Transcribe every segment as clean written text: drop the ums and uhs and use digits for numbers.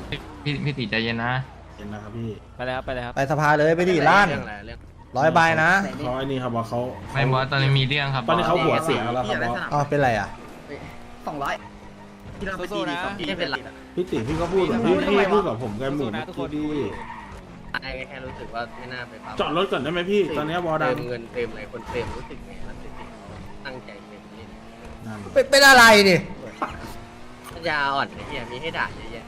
พี่ติใจเย็นนะเห็นนะครับพี่ไปเลยครับไปเลยครับไปสภาเลยไปดิล้านเรื่องอะไรเรื่อง 100 ใบนะเขาไอ้นี่ครับว่าเขาไม่บอสตอนนี้มีเรื่องครับตอนนี้เขาบสหัวเสียแล้วครับบอสอ๋อเป็นไรอ่ะที่เราไปตีดีครับพี่เป็นไรพี่ติ๋พี่ก็พูดแบบพี่พูดกับผมกันหมู่เมื่อกี้พี่ไอ้แค่รู้สึกว่าไม่น่าไปปั๊มจอดรถก่อนได้ไหมพี่ ตอนนี้บอสดัเติงมเงินเติมอะไรคนเติมรู้สึกไงรู้สึกตั้งใจเติมเล่นนั่นเป็นอะไรดิปัญญาอ่อนไอ้เหี้ยมีให้ด่าเยอะแยะ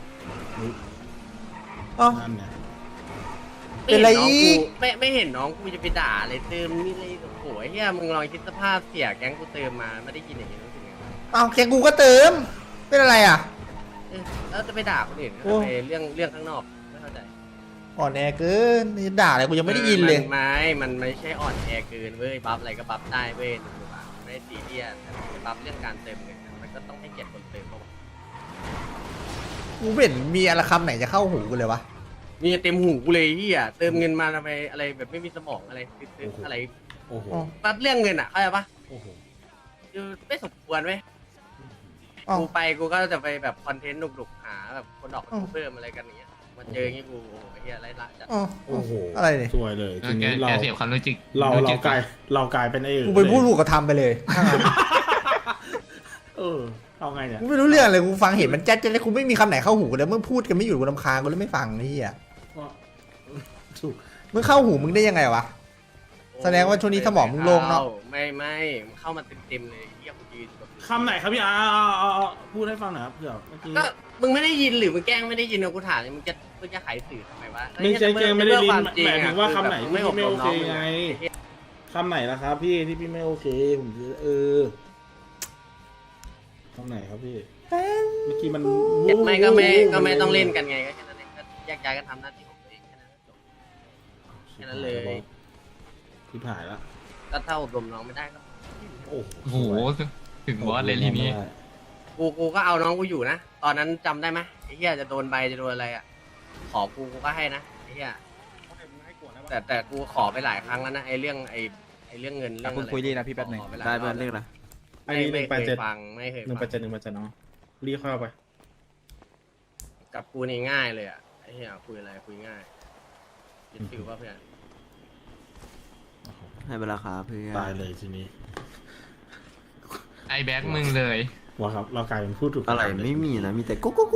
อ๋อนั่นเนี่ยเป็นไรอีกไม่เห็นน้องกูจะไปด่าอะไรเติมนี่เลยโอ้โหไอ้เหี้ยมึงลองคิดสภาพเสียแก๊งกูเติมมาไม่ได้กินอย่างนี้รู้สึกไงวะเอาแกกูก็เติม เป็นอะไรอ่ะแล้วจะไปด่าคนอื่นโอ้ทำไมเรื่องข้างนอกไม่เข้าใจอ่อนแอเกินนี่ด่าอะไรกูยังไม่ได้ยินเลยมันไม่ใช่อ่อนแอเกินเว้ยบัฟอะไรก็บัฟได้เว้ยถูกปะไม่ได้ซีเรียสแต่บัฟเรื่องการเติมเงินมันก็ต้องให้เกียรติคนเติมเขากูไม่เห็นมีอะไรคำไหนจะเข้าหูกูเลยวะมีเต็มหูกูเลยที่อ่ะเติมเงินมาทำไมอะไรแบบไม่มีสมองอะไรซื้ออะไรโอ้โหบัฟเรื่องเงินอ่ะเข้าใจปะโอ้โหคือไม่สมควรเว้ยอ้าวกูไปกูก็จะไปแบบคอนเทนต์หนุกๆหาแบบคนออกเพิ่มอะไรกันอย่างเงี้ยมาเจออย่างงี้กูโอ้โหไอ้เหี้ยไรละจัดอ๋อโอ้โหอะไรเนี่ยสวยเลยเอทีอแกนี้เราแกเสียบความรู้จิกเราจิกกลายเป็นไอ้อื่นกูไปพูดถูกกระทำไปเลยเออเอาไงเนี่ยกูไม่รู้เรื่องเลยกูฟังเห็นมันแจ๊ดๆเลยกูไม่มีคำไหนเข้าหูกูเลยมึงพูดกันไม่หยุดกูรำคาญกูเลยไม่ฟังไอ้เหี้ยถูกมึงเข้าหูมึงได้ยังไงวะ แสดงว่าช่วงนี้สมองมึงโล่งเนอะไม่มันเข้ามาเต็มๆเลยเหี้ยกูยืนแบบคำไหนครับพี่พูดให้ฟังหน่อยครับเผื่อเมื่อกี้ก็มึงไม่ได้ยินหรือมึงแกล้งไม่ได้ยินเอากูถามเลยมึงจะขายสื่อทำไมวะไม่ใช่แกไม่ได้ลินความจริหมายถึงว่าคำไหนที่ไม่พี่ไม่โอเคงไงคำไหนล่ะครับพี่ที่พี่ไม่โอเคผมคำไหนครับพี่เมื่อกี้มันไม่ก็ไม่ต้องเล่นกันไงก็แค่นั้นเองก็แยกย้ายกันทำหน้าที่ของตัวเองแค่นั้นก็จบแค่นั้นเลยที่ผ่านละก็ถ้าอบรมน้องไม่ได้ก็โอ้โหโอ้โหถึงบอสเลยทีนี้กูก็เอาน้องกูอยู่นะตอนนั้นจำได้ไหมไอ้เหี้ยจะโดนใบจะโดนอะไรอ่ะขอกูก็ให้นะไอ้เหี้ยแต่กูขอไปหลายครั้งแล้วนะไอ้เรื่องเงินเรื่องคุณอะไรคุยดีนะพี่แป๊บหนึงขอปหลายได้รเพื่ออนเรื่องอะไรอันนี้ไม่เคย 187 ฟังไม่เคย 187 ฟังน้องรีเข้าไปกับกูนี่ง่ายเลยอ่ะไอ้เหี้ยคุยอะไรคุยง่ายยึดฟิวป่ะเพื่อนให้เวลาครับเพื่อนตายเลยทีนี้ไอแบ็กมึงเลยว่าครับเรากลายเป็นผู้ถูกอะไรกระทำเลยไม่มีนะมีแต่กุ๊กกุ๊ก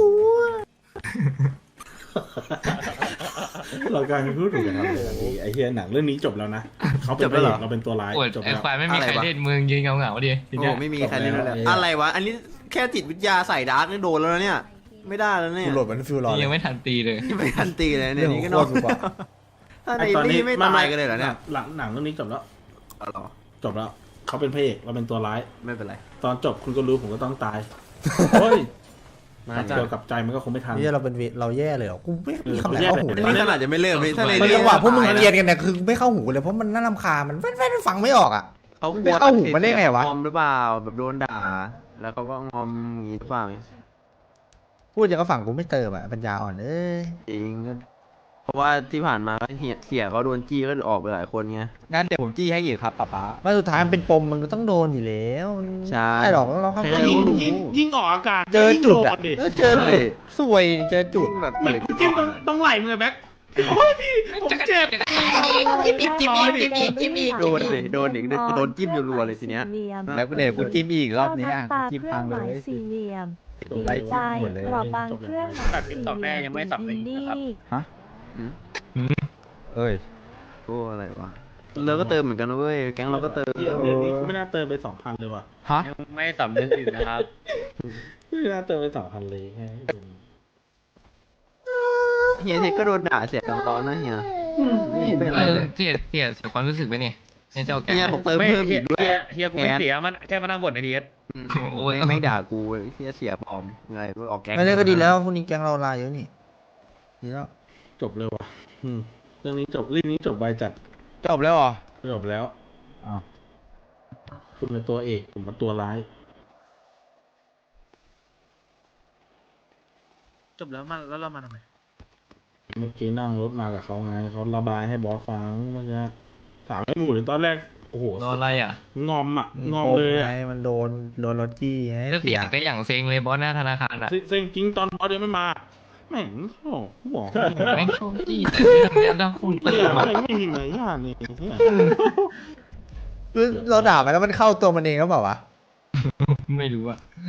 เรากลายเป็นผู้ถูกกระทำเลยทันทีไอ้เฮียหนังเรื่องนี้จบแล้วนะเขาเป็นพระเอกเราเป็นตัวร้ายโอดจบไอแล้วควายไม่มีใครเล่นมึงยืนเหงาๆดิทีโอ้เนี้ยไม่มีใครเล่นเลยจบแล้วอะไรวะอันนี้แค่จิตวิทยาใส่ดาร์กนี่โดนแล้วนะเนี่ยไม่ได้แล้วเนี่ยกูโหลดมันฟิลรอนี่เลยังยไม่ทันตีเลยไม่ทันตีเลยเนี่ยเรื่องนี่ก็โคโดตนรกว่าถ้าในนี่ไม่ตายกันเลยเหรอเนี่ยหนังเรื่องนี้จบแล้วเอาเหรอจบแล้วเขาเป็นพระเอกเราเป็นตัวร้ายไม่เป็นไรตอนจบคุณก็รู้ผมก็ต้องตายเฮ้ยมาเกี่ยวกับใจมันก็คงไม่ทันนี่เราเป็นเราแย่เลยเหรอกูไม่มีคำไหนเข้าหูอันเลยนี้ขนาดจะไม่เริ่มเลยถ้าในมันเรื่จังหวะพวกมึงตายเกลียดกันเนี่ยคือไม่เข้าหูเลยเพราะมันน่ารำคาญมันแว่นๆฟังไม่ออกอ่ะเขาไม่เข้าหูมันได้ไงวะงอมหรือเปล่าแบบโดนด่า แล้วเขาก็งอมอย่างงี้หรือเปล่าพูดอย่างก็ฝั่งกูไม่เติมอ่ะปัญญาอ่อนเอ้ยจริงก็เพราะว่าที่ผ่านมาก็เสียเขาโดนจี้ก็ออกไปหลายคนไงงั้นเดี๋ยวผมจี้ให้อีกครับป๊าป๊ามาสุดท้ายมันเป็นปมมันก็ต้องโดนอยู่แล้วใช่ไม่หรอกเราเข้าใจยิ่งออกอากาศเจอจุดอ่ะดิเจอจุดสวยเจอจุดแบบเลยจิ้มต้องไหลมือแบ็คโอ้ยพี่ผมเจ็บโดนเลยโดนอีกโดนจิ้มรัวๆเลยทีเนี้ยแล้วก็เดี๋ยวกูจิ้มอีกรอบนี้อ่ะตาจิ้มเครื่พัองงหเลมายยสี่เหลี่ยมตัวไล่ใจจิ้มหมดเลยกรอบบางเครื่องหมายสี่เหลี่ยมอินดี้ฮะอืมเอ้ยโอ้อะไรวะเราก็เติมเหมือนกันนะเว้ยแก๊งเราก็เติมไม่น่าเติมไป 2,000เลยว่ะฮะไม่สำนึกอีกนะครับไม่น่าเติมไป 2,000เลยแค่เฮียเทคก็โดนด่าเสียกันตอนนะเฮียไม่เป็นไรเลยเสียความรู้สึกไปเนี่ยเนี่ยเจ้าแกเฮียผมเติมเพิ่มอีกด้วยเฮียกูไม่เสียมันแค่มานั่งบ่นในทีเอส โอ้ยไม่ด่ากูเว้ยเฮียเสียปลอมไงออกแก๊งไม่ได้ก็ดีแล้วพวกนี้แก๊งเราลายเยอะนี่ดีแล้วจบเลยว่ะเรื่องนี้จบเรื่องนี้จบใบจัดจบแล้วเหรอจบแล้วอ้าวคุณเป็นตัวเอกผมเป็นตัวร้ายจบแล้วแล้วเรามาทำไมเมื่อกี้นั่งรถมากับเขาไงเขาระบายให้บอสฟังเมื่อกี้ถามไอ้หมูตอนแรกโอ้โหรออะไรอ่ะงอมเลยอ่ะไงมันโดนรถจี้ไงแล้วเสียงก็อย่างเซ็งเลยบอสหน้าธนาคารอ่ะเซ็งจริงตอนบอสเดินไม่มาแม่งโอ้บอกแม่งโชคจี้แต่เรื่องเนี้ยต้องคุณเตืเตืออน นมาไม่มีมารยาทนี่เนี่ยเราด่าไปแล้วมันเข้าตัวมันเองก็เปล่าวะไม่รู้อะ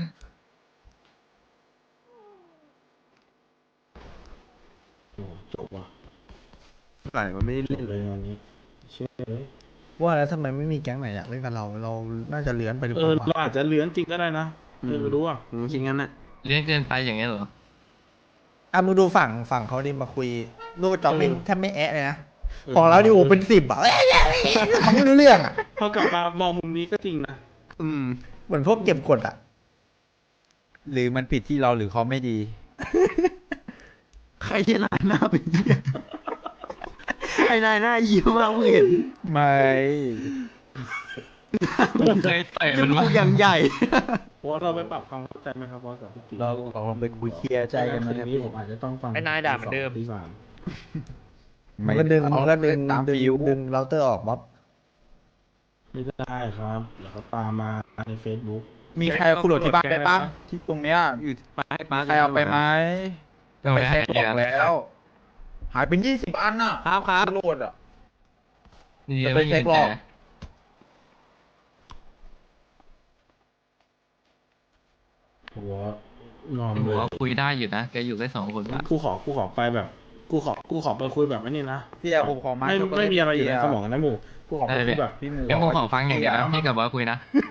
โอ้จบว่ะไหลมันไม่ได้จเล่นบเลยงานนี้เชื่อเลยว่าแล้วทำไมไม่มีแก๊งไหนอยากเล่นกับเรา เราน่าจะเลื้อนไปหรือเปเราล่าอาจจะเลื้อนจริงก็ได้นะไม่รู้อ่ะผมคิดงั้นน่ะเลี้ยงเกินไปอย่างเงี้ยเหรออ่ะมึงดูฝั่งเขาดิมาคุยลูกจอกนี่แทบไม่แอะเลยนะของเราดิโอ้เป็น10อ่ะเขาไม่รู้เรื่องอ่ะพอกลับมามองมุมนี้ก็จริงนะเหมือนพวกเก็บกดอ่ะหรือมันผิดที่เราหรือเขาไม่ดีใครจะนายหน้าเป็นเหี้ยไอ้นายหน้ายิ้มมากเพิ่งเห็นไม่เคยเตะจมันมูวะกอย่างใหญ่เพราะว่าเราไปปรับความเข้าใจไหมครับบอสกับพี่ตีเราลองไปคุยเคลียร์ใจกันทีนะครับนี้ผมอาจจะต้องฟังไอ้นายด่าเหมือนเดิมที่สามมันก็ดึงเอามันก็ดึงตามดึงฟิวดึงเราเตอร์ออกบ๊อบไม่ได้ครับเดี๋ยวเขาตามมาใน Facebook มีใครเอาคุณโหลดที่บ้านไปปะที่ตรงเนี้ยอยู่ไปป้าใครเอาไปไหมต้องไปให้บเดีอย กแล้ว หายเป็น20 อันน่ะครับโหลดอ่ะนี่ยังไม่มีจะไปเช็คหรแต่อกหัวนอมหัเลวย คุยได้อยู่นะแกอยู่แค่2 คนปะกูขอไปแบบกูขอไปคุยแบบนี้นะพี่แอร์ผมขอมาไม่มีอะไรอยู่ในสมองนะหมูกูขอไปได้คุเลย ยแบบพี่หมูแค่ผมขอฟังอย่างเดียวนะพี่กับบอสคุยนะ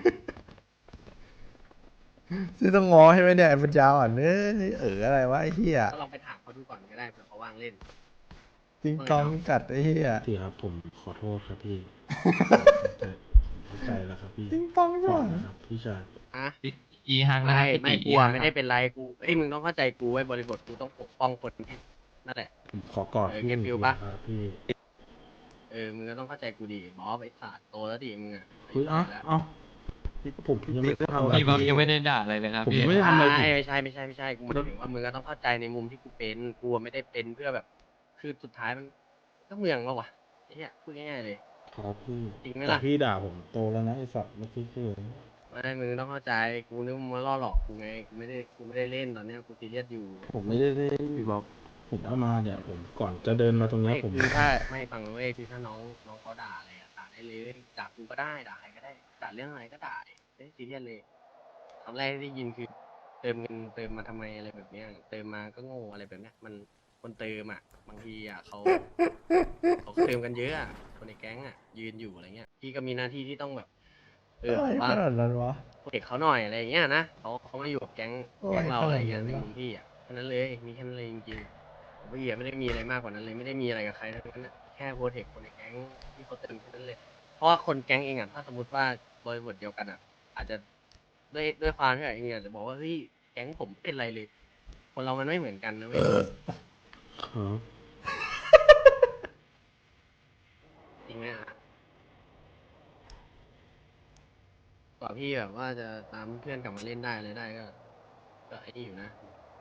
ซึ่งต้องง้อให้ไหมเนี่ยไอ้ปัญญาอ่อนอะไรวะไอ้เหี้ยก็ลองไปถามเขาดูก่อนก็ได้เผื่อเขาว่างเล่นจริงต้องกัดไอ้เหี้ยพี่ครับผมขอโทษครับพี่เข้าใจแล้วครับพี่จริงต้องก่ก่ออน นนะครับพี่ชายอ่ะอีฮังนะไม่พี่กลัวไม่ได้เป็นไรกูเอ้ยมึงต้องเข้าใจกูไว้บริบทกูต้องปกป้องคนที่นั่นแหละผมขอกอดเออพี่เก็บฟิลปะครับพี่มึงก็ต้องเข้าใจกูดิบอสไอ้สัตว์โตแล้วดิมึงอ่ะเฮ้ยเอ้าผมยังไม่ได้ทำอะไรพี่บอสยังไม่ได้ด่าอะไรเลยครับผมพี่ยังไม่ได้ทำอะไรผิดไม่ใช่กูหมายถึงว่ามึงก็ต้องเข้าใจในมุมที่กูเป็นกูไม่ได้เป็นเพื่อแบบ คือสุดท้ายมันก็เมืองแล้ววะไอ้เหี้ยพูดง่ายๆเลยครับพี่จริงไหมแต่ล่ะพี่ด่าผมโตแล้วนะไอ้สัตว์เมื่อกี้คือไม่มึงต้องเข้าใจกูนึกมึงมาล่อหลอกกูไงกูไม่ได้เล่นตอนเนี้ยกูซีเรียสอยู่ผมไม่ได้พี่บอกผมเข้ามาเนี่ยผมก่อนจะเดินมาตรงเนี้ยไม่ผมคือถ้าไม่ฟังเว้ยคือถ้าน้องเขาด่าอะไรอะด่าได้เลยด่ากูก็ได้ด่าใครก็ได้ด่าเรื่องอะไรก็ด่าไม่ได้ซีเรียสเลยคำแรกที่ได้ยินคือ เติมเงินเติมมาทำไมอะไรแบบเนี้ยเติมมาก็โง่อะไรแบบเนี้ยมันคนเติมอ่ะบางทีอ่ะเขาเติมกันเยอะอะคนในแก๊งอ่ะยืนอยู่อะไรเงี้ยพี่ก็มีหน้าที่ที่ต้องแบบอะไรว่าขนาดนั้นวะเด็กเขาหน่อยอะไรอย่างเงี้ยนะเขามาอยู่กับแก๊งโอ้ยเราอะไรเงี้ยขนาดนั้นในวะมุมพี่อ่ะแค่นั้นเลยมีแค่นั้นเลยจริงๆพี่ไม่ได้มีอะไรมากกว่านั้นเลยไม่ได้มีอะไรกับใครทั้งนั้นอะแค่โปรเทคคนในแก๊งที่เขาเติมแค่นั้นเลยเพราะว่าคนแก๊งเองอ่ะถ้าสมมติว่าบริบทเดียวกันอ่ะ อาจจะด้วยความที่เองอาจจะบอกว่าเฮ้ยแก๊งผมเป็นไรเลย คนเรามันไม่เหมือนกันนะเว้ยครับจริงไหมอ่ะกว่าพี่แบบว่าจะตามเพื่อนกลับมาเล่นได้เลยได้ก็ไอ้นี่อยู่นะ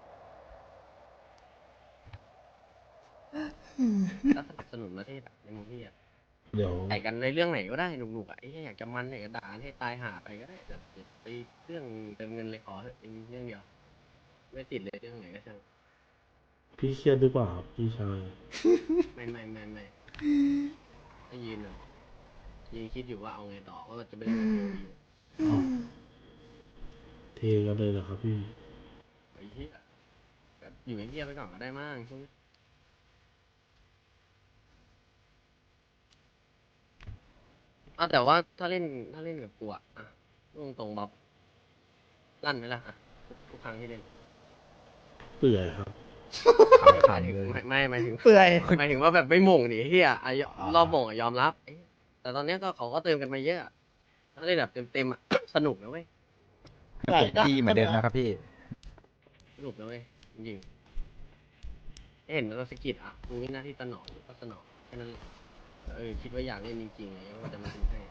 ก็สนับสนุนประเทศอะในมุมพี่อ่ะเดี๋ยวใส่กันในเรื่องไหนก็ได้หนุกๆอ่ะไอ้เหี้ยอยากจะมันอยากจะด่าให้ตายหาไปก็ได้แต่อย่าไปเรื่องเติมเงินเลยขอเถอะเป็นเรื่องเดียวไม่ติดเลยเรื่องไหนก็ช่างพี่เครียดหรือเปล่าครับพี่ชายไม่ก็ยืนแบบยืนคิดอยู่ว่าเอาไงต่อว่าจะไปเล่นกับเทลอยู่อ้าวเทกันเลยเหรอครับพี่ไอ้เหี้ยแบบอยู่เงียบๆไปก่อนก็ได้มั้งช่วงนี้แต่ว่าถ้าเล่นกับกูอ่ะตรงๆบ๊อบลั่นไหมล่ะอ่ะทุกครั้งที่เล่นเปื่อยครับหมายถึงไม่หมายถึงเปื่อยหมายถึงว่าแบบไม่หม่งดิเฮียรอบหม่งยอมรับแต่ตอนเนี้ยก็เขาก็เติมกันมาเยอะถ้าได้แบบเต็มสนุกนะเว้ยผมจี้เหมือนเดิมนะครับพี่สนุกนะเว้ยจริงๆเห็นแล้วสกิดอ่ะมึงมีหน้าที่สนองก็สนองแค่นั้นคิดว่าอยากเล่นจริงๆอะไรก็จะมาทำให้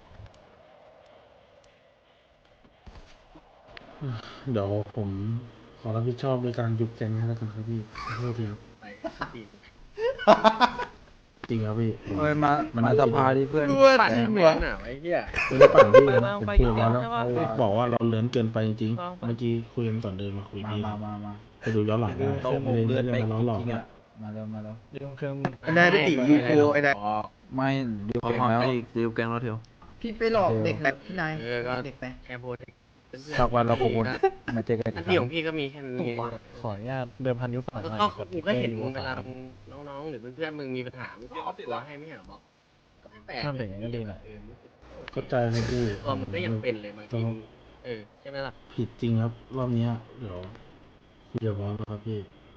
เดี๋ยวผมขอรับผิดชอบในการยุบแก๊งให้แล้วกันครับพี่ขอโทษทีครับไปตีนจริงครับพี่ผมเอ้ยมาสภาดิเพื่อนปั่นทำไมน่ะไอ้เหี้ยไม่ได้ปั่นพี่นะผมคุยกับเขาแล้วเขาบอกว่าเราเลื้อนเกินไปจริงๆเมื่อกี้คุยกันก่อนเดินมาคุยพี่มาไปดูย้อนหลังได้โต๊ะไม่เลือดได้ไปมาล้อหลอกจริงๆนะอะมาแล้วมาแล้วเรื่องเครื่องไอ้นายพี่ตีกูไอ้นายไม่เดี๋ยวพอเก่งพอแล้วไอ้ดิวแกงเราเทียวพี่ไปหลอกเด็กแบบพี่นายก็เด็กไปแค่พูดเพื่อนสักวันเราคงมาเจอกันหน้าที่ของพี่ก็มีแค่นี้ขออนุญาตเดิมพันยุคสมัยใหม่ก็กูก็เห็นมึงเวลาน้องๆหรือเพื่อนๆมึงมีปัญหามึงก็ออกตัวให้ไม่ใช่หรอบอกก็ไม่แปลกทำอย่างนี้ก็ดีนะเข้าใจนะพี่ตัวมึงก็ยังเป็นเลยบางทีใช่ไหมล่ะผิดจริงครับ รอบเนี้ยเดี๋ยวคุยกับบอสครับพี่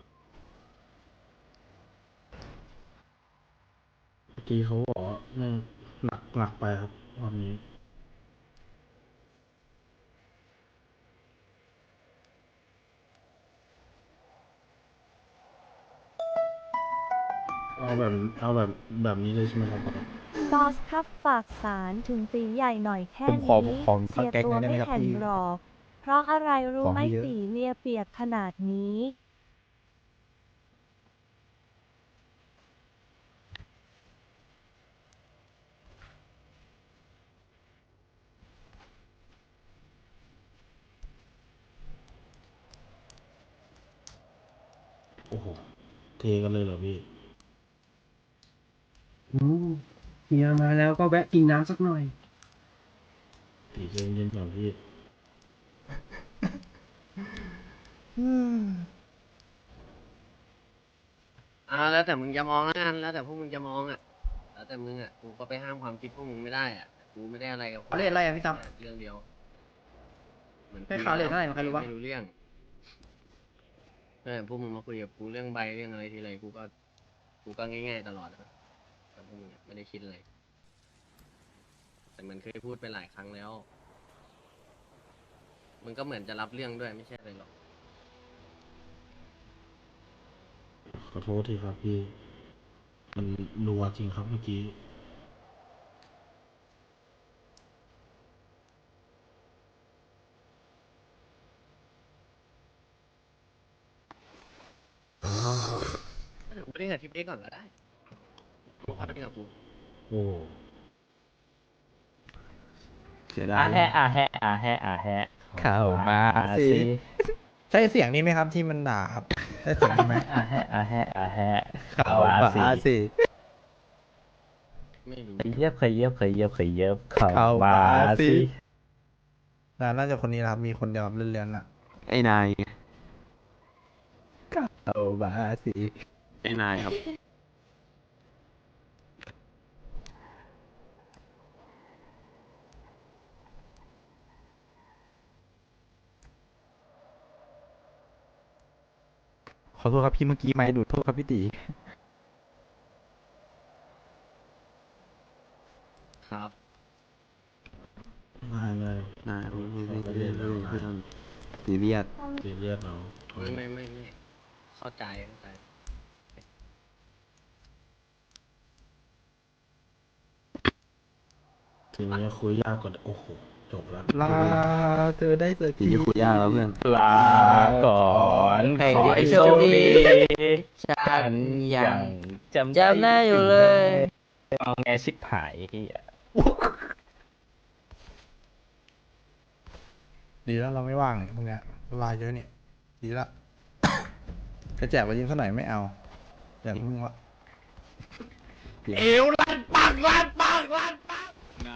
เมื่อกี้เขาบอกว่าเนี่ยหนักไปครับรอบนี้เอาแบบนี้เลยใช่ไหมครับบอสครับฝากสารถึงตีใหญ่หน่อยแค่ผมขอนี้ของเสียแก๊งตัวหน่อยได้ไหมไม่ครับแข็งพี่หรอก เพราะอะไรรู้ขอไหมให้เยอะตีเลียเปียกขนาดนี้โอ้โหเทกันเลยเหรอพี่เฮียมาแล้วก็แวะกินน้ำสักหน่อยตีเย็นๆก่อนพี่แล้วแต่มึงจะมองแล้วกันแล้วแต่พวกมึงจะมองอ่ะแล้วแต่มึงอ่ะกูก็ไปห้ามความคิดพวกมึงไม่ได้อ่ะกูไม่ได้อะไรกับเขาเรียกอะไรอะพี่ตั้มเรื่องเดียวหมือนให้เขาเรียกเท่าไหร่ใครรู้ปะไม่รู้เรื่องพวกมึงมาคุยกับกูเรื่องใบเรื่องอะไรทีไรกูก็ง่ายๆตลอดอะแต่พวกมึงไม่ได้คิดอะไรแต่มันเคยพูดไปหลายครั้งแล้วมึงก็เหมือนจะรับเรื่องด้วยไม่ใช่อะไรหรอกขอโทษทีครับพี่ มันนัวจริงครับเมื่อกี้ไม่ได้กับทิปเอ็กก่อนก็ได้พักกับกูโอ้เสียดายเข้ามาสิใช่เสียงนี้ไหมครับที่มันด่าครับใช่เสียงนี้ไหมเข้ามาสิไม่รู้เข้ามาสิน่าจะคนนี้นะครับมีคนเดียวครับเลื่อนๆน่ะไอ้นายเข้ามาสิไอ้นายครับขอโทษครับพี่เมื่อกี้ไม่ดูดโทษครับพี่ตีครับง่ายเลยนายไม่ต้องซีเรียสตีเรียกเราไม่เข้าใจทีนี้คุยยากกว่าโอ้โหจบแล้วลาเธอได้สักทีทีนี้คุยยากแล้วเพื่อนลาก่อนขอให้โชคดีฉันยังจำได้อยู่เลยเอาไงชิบหายดีแล้วเราไม่ว่างเนี่ยพวกเนี้ยเวลาเยอะเนี่ยดีละจะแจกไปยิงสักหน่อยไม่เอาอย่างมึงวะเอวลั่นปังลั่นปังลั่นปัง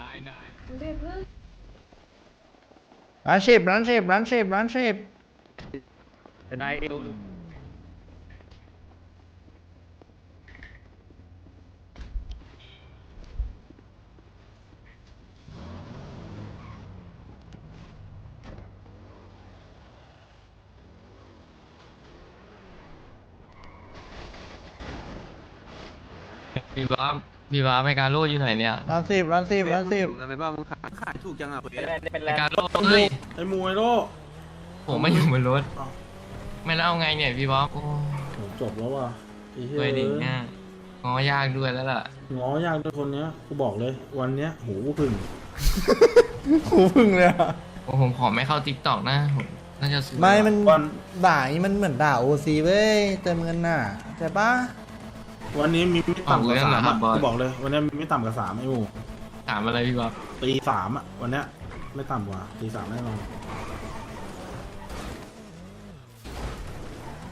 ร้านเชฟนายเอวพี่บ้าไม่การโลดอยู่ไหนเนี่ยร้านสิบไปบ้างมึงขายถูกจังอ่ะไม่การโลดเฮ้ยไอ้มวยโลผมไม่อยู่บนรถไม่แล้วเอาไงเนี่ยพี่บ๊อบโอ้ผมจบแล้วว่ะไอ้เหี้ด้วยดิเนี่ยงอยากด้วยแล้วล่ะง้อยากด้วยคนเนี้ยกูบอกเลย วันเนี้ยหูพึ่งหูพึ่งเลยอะโอ้ผมขอไม่เข้าติ๊กต็อกนะผมน่าจะซื้อไม่มันวันด่าอย่างนี้มันเหมือนด่าโอซีเว้ยเติมเงินน่ะใช่ปะวันนี้มีไม่ต่ำกว่าสามอะกูบอกเลย วันเนี้ยมีไม่ต่ำกว่าสามไอ้หมูถามอะไรพี่บ๊อบตีสามอะวันเนี้ยไม่ต่ำกว่าตีสามแน่นอน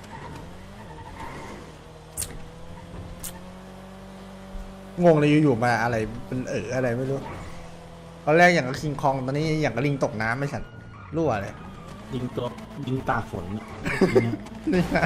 งงเลยอยู่ๆมาอะไรเป็นอะไรไม่รู้ตอนแรกอย่างกับคิงคองตอนนี้อย่างกับลิงตกน้ำไม่ฉันรั่วเลยยิงตากฝนอะนี่ไง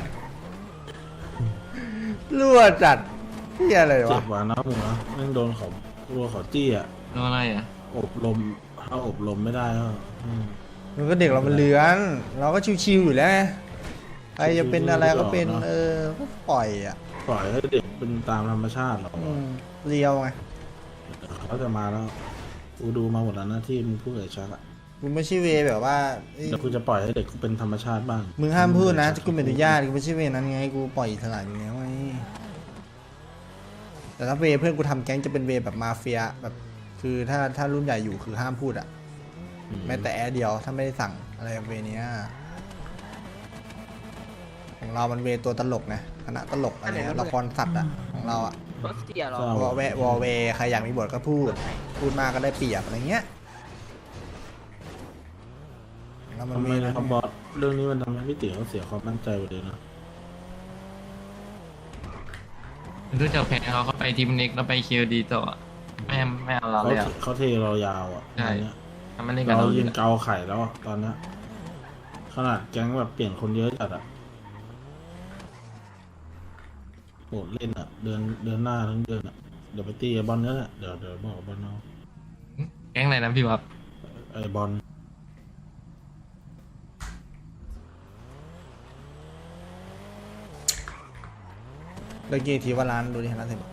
รั่วจัดที่อะไรเจ็วะบกว่านะหมูนะแม่งโดนเขาตัวเขาจี้อ่ะโดนอะไรอ่ะอบรมถ้าอบรมไม่ได้ก็มันก็เด็กเรามันเลื้อนเราก็ชิวๆอยู่แล้วไงใครจะเป็นอะไรก็เป็นก็ปล่อยอ่ะปล่อยให้เด็กเป็นตามธรรมชาติหรอกเรียวไงเขาจะมาแล้วกูดูมาหมดแล้วนะที่มึงพูดกับชักอะมึงไม่ใช่เวแบบว่าเดี๋ยวกูจะปล่อยให้เด็กเป็นธรรมชาติบ้างมึงห้ามพูดนะกูเป็นอนุญาตกูไม่ใช่เวนั้นไงกูปล่อยอิสระอยู่แล้วไงแต่ถ้าเวเพื่อนกูทำแก๊งจะเป็นเวแบบมาเฟียแบบคือถ้ารุ่นใหญ่อยู่คือห้ามพูดอ่ะแม้แต่แอร์เดียวถ้าไม่ได้สั่งอะไรแบบเวเนี้ยของเรามันเวตัวตลกไงคณะตลกอะไรละครสัตว์อ่ะของเราอ่ะเศร้าวอเวใครอยากมีบทก็พูดมากก็ได้เปรียบอะไรเงี้ยแล้วมันทำไมมีนะครับบอสเรื่องนี้มันทำให้พี่ติ๋วเขาเสียความมั่นใจไปเลยนะรู้จักแพ้เขาไปทีมเน็กแล้วไปเคียวดีต่อไม่เอาเราเลยอ่ะเขาเทเรายาวอ่ะใช่ตอนเนี้ยทำไม่เล่นกับเราเรายืนเกาไข่แล้วอะตอนเนี้ยขนาดแก๊งแบบเปลี่ยนคนเยอะจัดอะโหดเล่นอะเดือนหน้าทั้งเดือนอะเดี๋ยวไปตีไอ้บอลนี่แหละเดี๋ยวบอกกับบอลเอาแก๊งไหนนะพี่วับไอ้บอลเลยกี่ทีว่าร้านดูดิร้านเสร็จ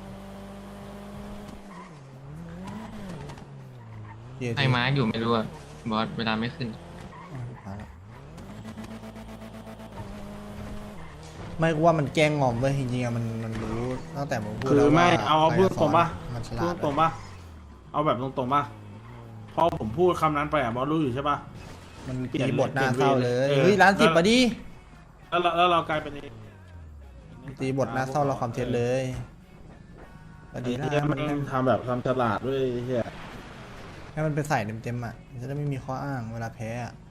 กี่ทีให้มาร์กอยู่ไม่รู้อะบอสเวลาไม่ขึ้นไม่กูว่ามันแกล้งงอมเว้ยจริงๆอะมันรู้ตั้งแต่มึงพูดคือแล้วว่าไม่เอาพูดตรงปะมันฉลาพูดดตรงปะเอาแบบตรงๆปะพอผมพูดคำนั้นไปอะบอลรู้อยู่ใช่ปะมันตีบทหน้าเศร้าเลยเออเฮ้ยร้านสิบมาดิแล้วเรากลายเป็นตีบทหน้าเศร้าเราความเท็จเลยพอดีไอ้นะเหี้ยมันทำแบบทำฉลาดด้วยไอ้เฮียให้มันไปใส่เต็มๆอ่ะมันจะได้ไม่มีข้ออ้างเวลาแพ้อะ